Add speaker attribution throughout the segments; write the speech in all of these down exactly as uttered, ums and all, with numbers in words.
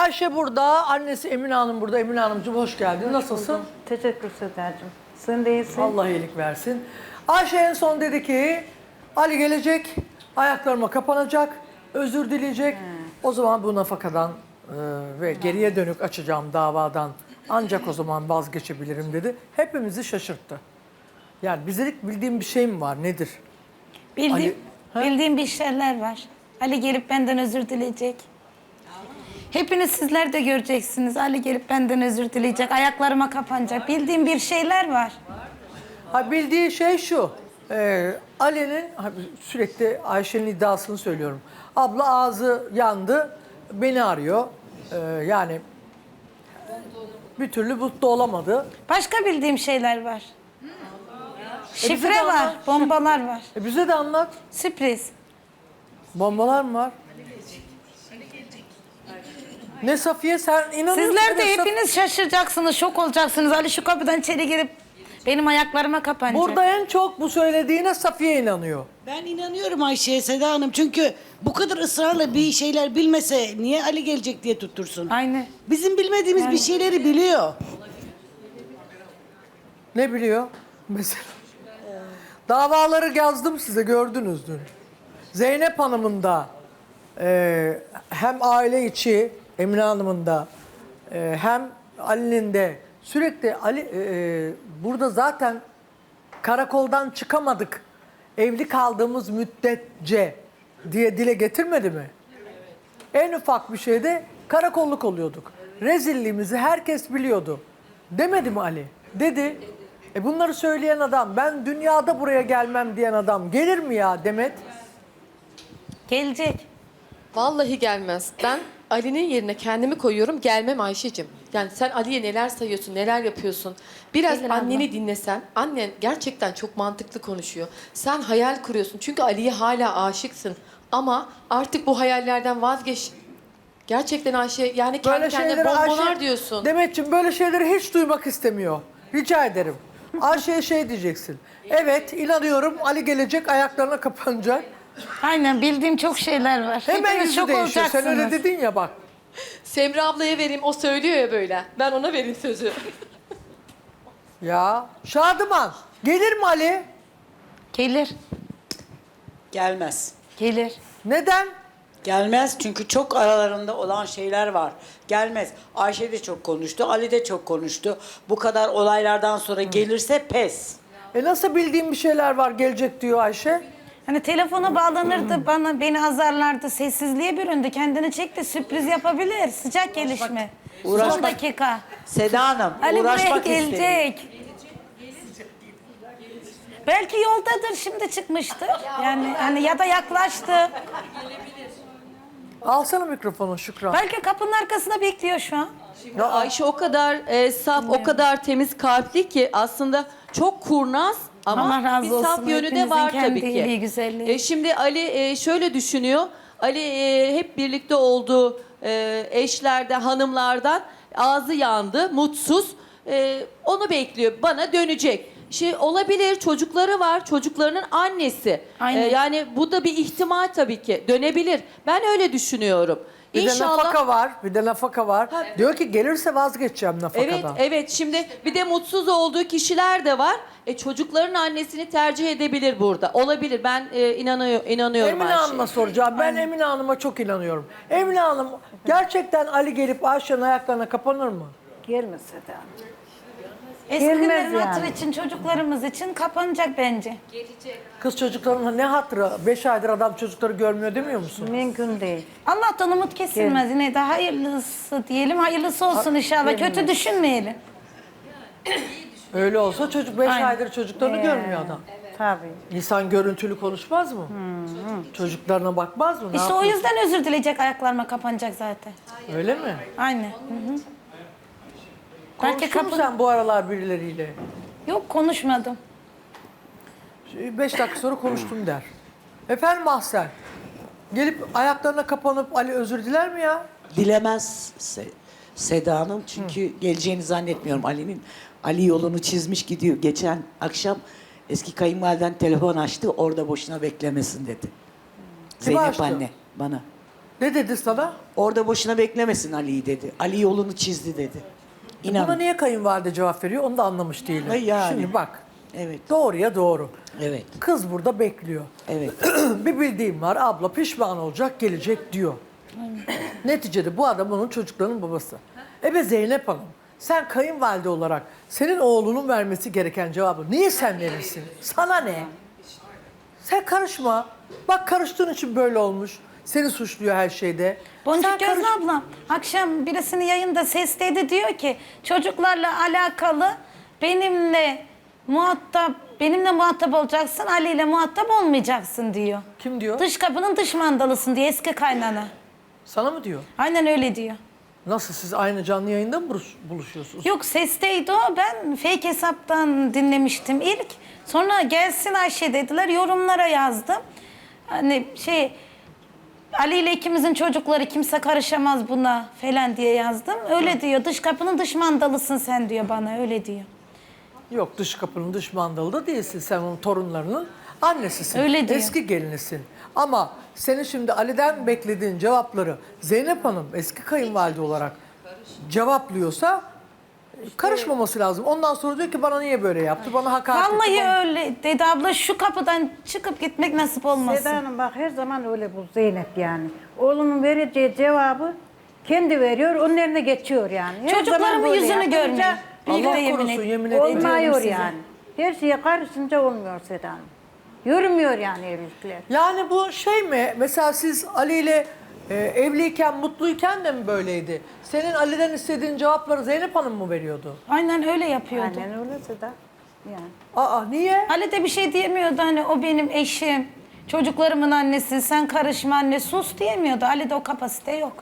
Speaker 1: Ayşe burada, annesi Emine Hanım burada. Emine Hanımcığım hoş geldin. Nasılsın?
Speaker 2: Teşekkür Sedacığım. Sen de iyisin.
Speaker 1: Allah iyilik versin. Ayşe en son dedi ki Ali gelecek, ayaklarıma kapanacak, özür dileyecek. Hmm. O zaman bu nafakadan e, ve geriye dönük açacağım davadan ancak o zaman vazgeçebilirim dedi. Hepimizi şaşırttı. Yani bizdelik bildiğim bir şey mi var, nedir?
Speaker 3: Bildiğim,
Speaker 1: Ali- Ha?
Speaker 3: bildiğim bir şeyler var. Ali gelip benden özür dileyecek. Hepiniz sizler de göreceksiniz. Ali gelip benden özür dileyecek. Ayaklarıma kapanacak. Bildiğim bir şeyler var.
Speaker 1: Ha, bildiği şey şu, e, Ali'nin, ha, sürekli Ayşe'nin iddiasını söylüyorum. Abla ağzı yandı, beni arıyor. E, yani bir türlü mutlu olamadı.
Speaker 3: Başka bildiğim şeyler var.
Speaker 1: bize de
Speaker 3: Şifre var,
Speaker 1: anlat.
Speaker 3: bombalar var.
Speaker 1: E, bize de anlat.
Speaker 3: Sürpriz.
Speaker 1: Bombalar mı var? Ne Safiye, sen inanıyorsun.
Speaker 3: Sizler de
Speaker 1: ne Saf-
Speaker 3: hepiniz şaşıracaksınız, şok olacaksınız. Ali şu kapıdan içeri girip benim ayaklarıma kapanacak.
Speaker 1: Burada en çok bu söylediğine Safiye inanıyor.
Speaker 4: Ben inanıyorum Ayşe'ye, Seda Hanım. Çünkü bu kadar ısrarla bir şeyler bilmese niye Ali gelecek diye tuttursun?
Speaker 3: Aynen.
Speaker 4: Bizim bilmediğimiz bir şeyleri biliyor.
Speaker 1: Ne biliyor? Mesela. Davaları yazdım size, gördünüz dün. Zeynep Hanım'ın da e, hem aile içi Emine Hanım'ın da e, hem Ali'nin de sürekli Ali e, e, burada zaten karakoldan çıkamadık. Evli kaldığımız müddetçe diye dile getirmedi mi? En ufak bir şeyde karakolluk oluyorduk. Rezilliğimizi herkes biliyordu. Demedi mi Ali? Dedi. E bunları söyleyen adam, ben dünyada buraya gelmem diyen adam gelir mi ya Demet?
Speaker 3: Gelecek.
Speaker 5: Vallahi gelmez. Ben Ali'nin yerine kendimi koyuyorum, gelmem Ayşe'cim. Yani sen Ali'ye neler sayıyorsun, neler yapıyorsun. Biraz
Speaker 3: Gelir abla.
Speaker 5: anneni dinlesen, annen gerçekten çok mantıklı konuşuyor. Sen hayal kuruyorsun çünkü Ali'ye hala aşıksın. Ama artık bu hayallerden vazgeç. Gerçekten Ayşe, yani kendi kendine bombolar
Speaker 1: Ayşe,
Speaker 5: diyorsun.
Speaker 1: Demetciğim böyle şeyleri hiç duymak istemiyor. Rica ederim. Ayşe'ye şey diyeceksin. Evet, inanıyorum Ali gelecek, ayaklarına kapanacak.
Speaker 3: Aynen, bildiğim çok şeyler var.
Speaker 1: Hemen
Speaker 3: Hepiniz
Speaker 1: yüzü
Speaker 3: şok
Speaker 1: değişiyor. Sen öyle
Speaker 3: olacaksınız.
Speaker 1: dedin ya bak.
Speaker 5: Semra ablaya vereyim, o söylüyor ya böyle. Ben ona vereyim sözü.
Speaker 1: Ya Şadıman, gelir mi Ali?
Speaker 3: Gelir,
Speaker 4: Gelmez.
Speaker 3: gelir.
Speaker 1: Neden?
Speaker 4: Gelmez çünkü çok aralarında olan şeyler var. Gelmez. Ayşe de çok konuştu, Ali de çok konuştu. Bu kadar olaylardan sonra gelirse pes.
Speaker 1: E nasıl bildiğim bir şeyler var gelecek diyor Ayşe.
Speaker 3: Hani telefona bağlanırdı, bana beni azarlardı, sessizliğe büründü. Kendini çekti, sürpriz yapabilir. Sıcak gelişme. Son
Speaker 4: Uğraşmak-
Speaker 3: dakika.
Speaker 4: Seda Hanım,
Speaker 3: Ali buraya
Speaker 4: uğraşmak istedim.
Speaker 3: gelecek. Belki yoldadır, şimdi çıkmıştır. Yani hani ya da yaklaştı.
Speaker 1: Alsana mikrofonu Şükran.
Speaker 3: Belki kapının arkasında bekliyor şu an.
Speaker 6: Ya Ayşe o kadar e, saf, o kadar temiz kalpli ki aslında çok kurnaz ama
Speaker 3: Allah razı
Speaker 6: bir
Speaker 3: olsun.
Speaker 6: saf yönü de
Speaker 3: Hepinizin
Speaker 6: var
Speaker 3: kendi
Speaker 6: tabii
Speaker 3: iyiliği,
Speaker 6: ki.
Speaker 3: güzelliği.
Speaker 6: E, şimdi Ali e, şöyle düşünüyor. Ali e, hep birlikte olduğu e, eşlerden, hanımlardan ağzı yandı, mutsuz. E, onu bekliyor. Bana dönecek. Şey olabilir, çocukları var, çocuklarının annesi.
Speaker 3: Aynen.
Speaker 6: E, yani bu da bir ihtimal tabii ki. Dönebilir. Ben öyle düşünüyorum.
Speaker 1: Bir de
Speaker 6: İnşallah.
Speaker 1: nafaka var, bir de nafaka var. Diyor ki gelirse vazgeçeceğim nafakadan.
Speaker 6: Evet, evet. Şimdi bir de mutsuz olduğu kişiler de var. E, çocukların annesini tercih edebilir burada. Olabilir. Ben e, inanıyor, inanıyorum
Speaker 1: Emine
Speaker 6: Ayşe'ye.
Speaker 1: Hanım'a soracağım. Ben Emine Hanım'a çok inanıyorum. Emine Hanım, gerçekten Ali gelip Ayşe'nin ayaklarına kapanır mı?
Speaker 2: Gelmez Seda Hanım.
Speaker 3: Eski
Speaker 2: Gelmez
Speaker 3: günlerin hatırı
Speaker 2: yani.
Speaker 3: için, çocuklarımız için kapanacak bence.
Speaker 1: Kız çocuklarının ne hatırı? Beş aydır adam çocukları görmüyor demiyor musun?
Speaker 2: Mümkün değil.
Speaker 3: Allah'tan umut kesilmez. Yine de hayırlısı diyelim. Hayırlısı olsun inşallah. Kötü düşünmeyelim.
Speaker 1: Öyle olsa çocuk beş
Speaker 3: Aynen.
Speaker 1: aydır çocuklarını görmüyor adam.
Speaker 2: Tabii.
Speaker 1: İnsan görüntülü konuşmaz mı? Çocuklarına bakmaz mı? Ne
Speaker 3: İşte o
Speaker 1: yapıyor?
Speaker 3: yüzden özür dileyecek, ayaklarıma kapanacak zaten.
Speaker 1: Öyle mi?
Speaker 3: Aynen. Hı hı. Belki
Speaker 1: Konuştun mu
Speaker 3: kapı...
Speaker 1: sen bu aralar birileriyle?
Speaker 3: Yok, konuşmadım.
Speaker 1: Beş dakika sonra konuştum der. Efendim Mahsen, gelip ayaklarına kapanıp Ali özür diler mi ya?
Speaker 7: Dilemez Se- Seda Hanım çünkü geleceğini zannetmiyorum Ali'nin. Ali yolunu çizmiş gidiyor. Geçen akşam eski kayınvaliden telefon açtı, orada boşuna beklemesin dedi. Zeynep
Speaker 1: açtı?
Speaker 7: anne bana.
Speaker 1: Ne dedi sana?
Speaker 7: Orada boşuna beklemesin Ali'yi dedi. Ali yolunu çizdi dedi.
Speaker 1: Buna
Speaker 7: İnan.
Speaker 1: niye kayınvalide cevap veriyor onu da anlamış değilim.
Speaker 7: Ay yani.
Speaker 1: Şimdi bak.
Speaker 7: Evet.
Speaker 1: Doğruya doğru.
Speaker 7: Evet.
Speaker 1: Kız burada bekliyor.
Speaker 7: Evet.
Speaker 1: Bir bildiğim var, abla pişman olacak, gelecek diyor. Neticede bu adam onun çocuklarının babası. E be Zeynep Hanım, sen kayınvalide olarak senin oğlunun vermesi gereken cevabı niye sen verirsin? Sana ne? Sen karışma. Bak karıştığın için böyle olmuş. Seni suçluyor her şeyde.
Speaker 3: Boncuk
Speaker 1: Sen
Speaker 3: Gözlü
Speaker 1: karış-
Speaker 3: ablam akşam birisinin yayında sesledi, diyor ki çocuklarla alakalı benimle muhatap benimle muhatap olacaksın, Ali ile muhatap olmayacaksın diyor.
Speaker 1: Kim diyor?
Speaker 3: Dış kapının dış mandalısın diye eski kaynana.
Speaker 1: Sana mı diyor?
Speaker 3: Aynen öyle diyor.
Speaker 1: Nasıl siz aynı canlı yayında mı buluş- buluşuyorsunuz?
Speaker 3: Yok sesteydi o. Ben fake hesaptan dinlemiştim ilk. Sonra gelsin Ayşe dediler. Yorumlara yazdım. Hani şey Ali ile ikimizin çocukları kimse karışamaz buna falan diye yazdım. Öyle diyor. Dış kapının dış mandalısın sen diyor bana. Öyle diyor.
Speaker 1: Yok dış kapının dış mandalı da değilsin. Sen onun torunlarının annesisin.
Speaker 3: Öyle diyor.
Speaker 1: Eski gelinisin. Ama senin şimdi Ali'den beklediğin cevapları Zeynep Hanım eski kayınvalide olarak cevaplıyorsa karışmaması lazım. Ondan sonra diyor ki bana niye böyle yaptı? Bana hakaret etti.
Speaker 3: Vallahi
Speaker 1: bana-
Speaker 3: öyle dedi abla, şu kapıdan çıkıp gitmek nasip olmasın.
Speaker 2: Seda Hanım bak her zaman öyle bu Zeynep yani. Oğlunun vereceği cevabı kendi veriyor, onun eline geçiyor yani. Her zaman
Speaker 3: Çocuklarımın
Speaker 2: böyle
Speaker 3: yüzünü
Speaker 2: yapınca
Speaker 3: görmeyin. Birlikte
Speaker 1: Allah
Speaker 3: yemin
Speaker 1: korusun
Speaker 3: et-
Speaker 1: yemin ederim.
Speaker 2: Olmuyor
Speaker 3: size.
Speaker 2: yani. Her şeye karışınca olmuyor Seda Hanım. Yürümüyor yani evlilikler.
Speaker 1: Yani bu şey mi? Mesela siz Ali ile e, evliyken, mutluyken de mi böyleydi? Senin Ali'den istediğin cevapları Zeynep Hanım mı veriyordu?
Speaker 3: Aynen öyle yapıyordu.
Speaker 2: Aynen öyle Seda. Yani.
Speaker 1: Aa niye?
Speaker 3: Ali de bir şey diyemiyordu, hani o benim eşim, çocuklarımın annesi, sen karışma anne, sus diyemiyordu. Ali de o kapasite yok.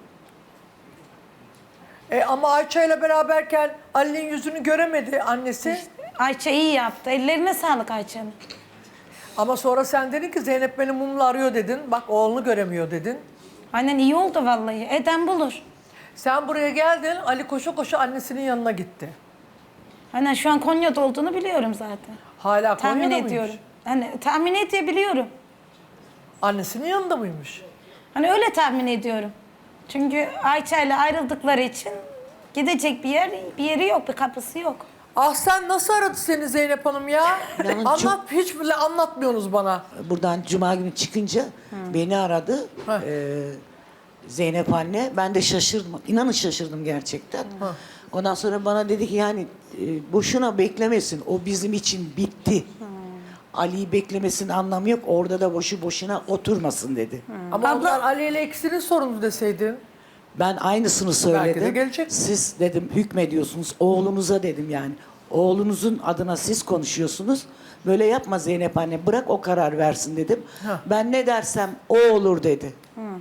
Speaker 1: E, ama Ayça ile beraberken Ali'nin yüzünü göremedi annesi.
Speaker 3: Ayça iyi yaptı. Ellerine sağlık Ayça'nın.
Speaker 1: Ama sonra sen dedin ki Zeynep beni mumla arıyor dedin. Bak oğlunu göremiyor dedin.
Speaker 3: Aynen iyi oldu vallahi. Eden bulur.
Speaker 1: Sen buraya geldin, Ali koşa koşa annesinin yanına gitti.
Speaker 3: Aynen şu an Konya'da olduğunu biliyorum zaten.
Speaker 1: Hala
Speaker 3: Tahmin
Speaker 1: Konya'da mıymış?
Speaker 3: ediyorum. Hani tahmin edebiliyorum.
Speaker 1: Annesinin yanında mıymış?
Speaker 3: Hani öyle tahmin ediyorum. Çünkü Ayça ile ayrıldıkları için gidecek bir yer bir yeri yok, bir kapısı yok.
Speaker 1: Ah sen nasıl aradı seni Zeynep Hanım ya?
Speaker 7: İnanın
Speaker 1: Anlat,
Speaker 7: çok-
Speaker 1: hiç bile anlatmıyorsunuz bana.
Speaker 7: Buradan cuma günü çıkınca beni aradı.
Speaker 1: Hı.
Speaker 7: Ee, Zeynep anne. Ben de şaşırdım. İnanın şaşırdım gerçekten. Ondan sonra bana dedi ki yani e, boşuna beklemesin. O bizim için bitti. Ali'yi beklemesinin anlamı yok. Orada da boşu boşuna oturmasın dedi.
Speaker 1: Ama
Speaker 3: Abla-
Speaker 1: onlar Ali ile ikisinin sorunu deseydin.
Speaker 7: Ben aynısını
Speaker 1: Belki
Speaker 7: söyledim.
Speaker 1: de gelecek.
Speaker 7: Siz dedim hükmediyorsunuz. Oğlunuza dedim yani. Oğlunuzun adına siz konuşuyorsunuz. Böyle yapma Zeynep anne. Bırak o karar versin dedim.
Speaker 1: Ha.
Speaker 7: Ben ne dersem o olur dedi.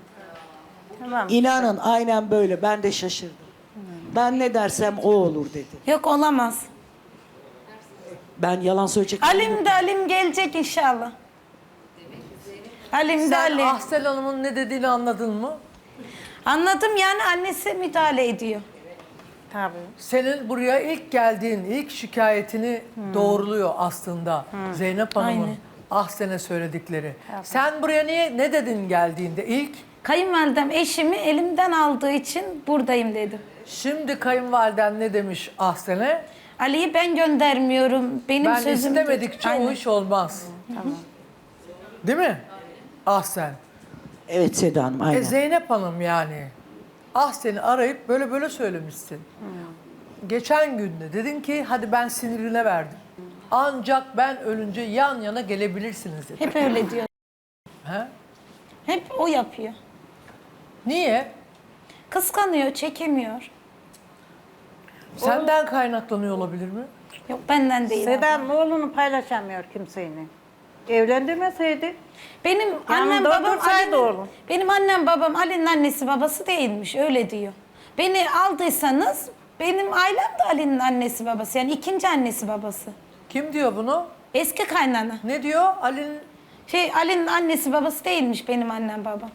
Speaker 2: Tamam.
Speaker 7: İnanın aynen böyle. Ben de şaşırdım. Ben ne dersem o olur dedi.
Speaker 3: Yok olamaz.
Speaker 7: Ben yalan söyleyecek.
Speaker 3: Alim de Alim gelecek inşallah. Alim de
Speaker 1: Sen
Speaker 3: Alim.
Speaker 1: Ahsel Hanım'ın ne dediğini anladın mı?
Speaker 3: Anladım, yani annesi müdahale ediyor.
Speaker 2: Tabii.
Speaker 1: Senin buraya ilk geldiğin, ilk şikayetini doğruluyor aslında Zeynep Hanım'ın
Speaker 3: Aynen.
Speaker 1: Ahsen'e söyledikleri. Sen buraya niye ne dedin geldiğinde ilk?
Speaker 3: Kayınvalidem eşimi elimden aldığı için buradayım dedim.
Speaker 1: Şimdi kayınvaliden ne demiş Ahsen'e?
Speaker 3: Ali'yi ben göndermiyorum. Benim
Speaker 1: Ben
Speaker 3: sözüm...
Speaker 1: istemedikçe
Speaker 3: Aynen.
Speaker 1: o iş olmaz. Değil mi? Ahsen.
Speaker 7: Evet Seda Hanım aynen.
Speaker 1: E Zeynep Hanım yani. Ahsen'i arayıp böyle böyle söylemişsin. Geçen günde dedin ki hadi ben sinirine verdim. Ancak ben ölünce yan yana gelebilirsiniz dedi.
Speaker 3: Hep öyle diyor.
Speaker 1: He?
Speaker 3: Hep o yapıyor.
Speaker 1: Niye?
Speaker 3: Kıskanıyor, çekemiyor.
Speaker 1: Senden kaynaklanıyor olabilir mi?
Speaker 3: Yok benden değil.
Speaker 2: Seda
Speaker 3: abla.
Speaker 2: Hanım oğlunu paylaşamıyor kimseyle. Evlendirmeseydi.
Speaker 3: Benim annem
Speaker 2: Yanında
Speaker 3: babam
Speaker 2: otursaydı
Speaker 3: Ali'nin,
Speaker 2: oğlum.
Speaker 3: benim annem babam Ali'nin annesi babası değilmiş, öyle diyor. Beni aldıysanız benim ailem de Ali'nin annesi babası, yani ikinci annesi babası.
Speaker 1: Kim diyor bunu?
Speaker 3: Eski kaynana.
Speaker 1: Ne diyor? Ali'nin
Speaker 3: Şey Ali'nin annesi babası değilmiş benim annem babam.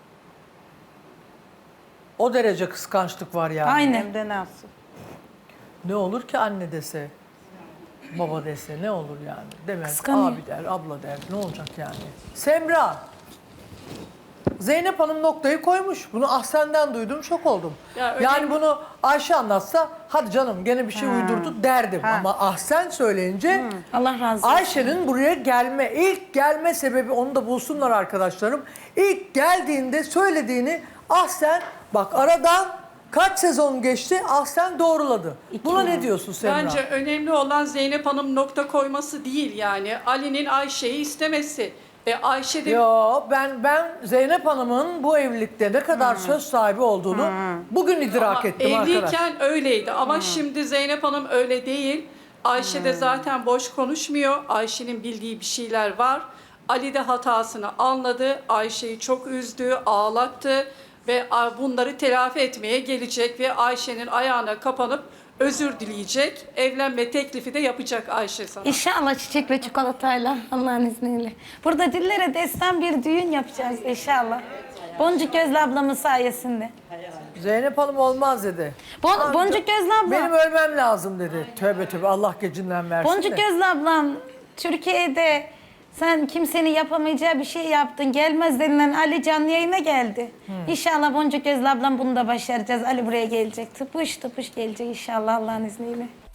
Speaker 1: o derece kıskançlık var yani.
Speaker 3: Aynen.
Speaker 2: Hem de nasıl?
Speaker 1: Ne olur ki anne dese, baba dese ne olur yani? Demez,
Speaker 3: Kıskanıyor.
Speaker 1: abi der, abla der. Ne olacak yani? Semra. Zeynep Hanım noktayı koymuş. Bunu Ahsen'den duydum, şok oldum.
Speaker 8: Ya öyle
Speaker 1: yani
Speaker 8: mi?
Speaker 1: bunu Ayşe anlatsa hadi canım gene bir şey uydurdu derdim. Ama Ahsen söyleyince
Speaker 3: Allah razı olsun.
Speaker 1: Ayşe'nin buraya gelme, ilk gelme sebebi, onu da bulsunlar arkadaşlarım. İlk geldiğinde söylediğini Ahsen, bak aradan kaç sezon geçti, Ahsen doğruladı. Buna ne diyorsun Semra?
Speaker 8: Bence önemli olan Zeynep Hanım nokta koyması değil yani. Ali'nin Ayşe'yi istemesi. Ve Ayşe de
Speaker 1: Yo, ben ben Zeynep Hanım'ın bu evlilikte ne kadar söz sahibi olduğunu bugün idrak
Speaker 8: Ama
Speaker 1: ettim arkadaş.
Speaker 8: evliyken öyleydi ama şimdi Zeynep Hanım öyle değil. Ayşe de zaten boş konuşmuyor. Ayşe'nin bildiği bir şeyler var. Ali de hatasını anladı. Ayşe'yi çok üzdü, ağlattı ve bunları telafi etmeye gelecek ve Ayşe'nin ayağına kapanıp özür dileyecek. Evlenme teklifi de yapacak Ayşe sana.
Speaker 3: İnşallah çiçek ve çikolatayla Allah'ın izniyle. Burada dillere destan bir düğün yapacağız inşallah. Boncuk Gözlü ablamın sayesinde.
Speaker 1: Zeynep Hanım olmaz dedi.
Speaker 3: Bon, Boncuk Gözlü ablam.
Speaker 1: Benim ölmem lazım dedi. Tövbe tövbe, Allah gecinden versin
Speaker 3: Boncuk
Speaker 1: de.
Speaker 3: Gözlü ablam, Türkiye'de sen kimsenin yapamayacağı bir şey yaptın. Gelmez denilen Ali canlı yayına geldi. İnşallah Boncuk Gözlü ablam bunu da başaracağız. Ali buraya gelecek. Tıpış tıpış gelecek inşallah Allah'ın izniyle.